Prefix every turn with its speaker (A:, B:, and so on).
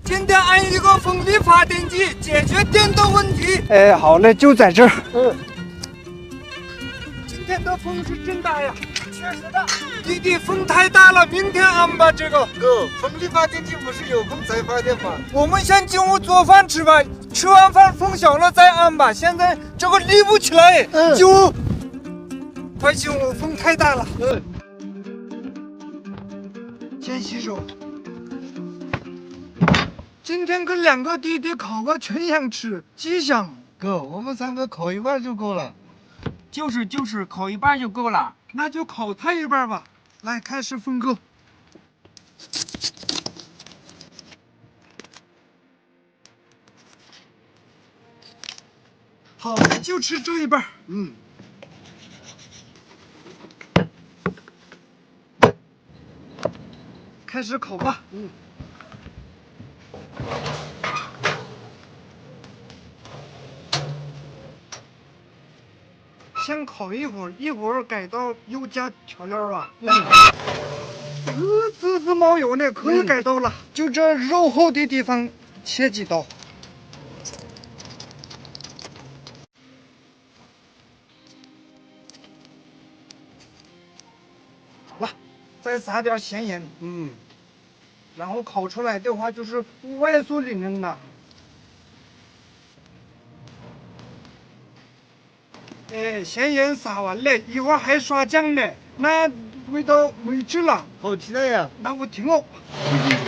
A: 今天按一个风力发电机解决电的问题。
B: 哎，好嘞，就在这儿。
A: 今天的风是真大呀，确实大。弟弟，风太大了，明天安吧。这个
C: 哥，风力发电机不是有风才发电吗？
A: 我们先进屋做饭吃吧，吃完饭风小了再安吧。现在这个立不起来，进屋，快进屋，风太大了。先洗手。今天跟两个弟弟烤个全羊吃，吉祥。
C: 哥，我们3个烤一半就够了。
D: 就是，烤一半就够了。
A: 那就烤他一半吧。来，开始分割。好，就吃这一半。开始烤吧。先烤一会儿，一会儿改刀又加调料吧。滋滋冒油呢，可以改刀了。就这肉厚的地方切几刀。好了，再撒点咸盐。然后烤出来的话就是外酥里嫩的。哎，咸盐撒完了，一会儿还刷酱呢，那味道没治了。
C: 好期待呀！
A: 那我停哦。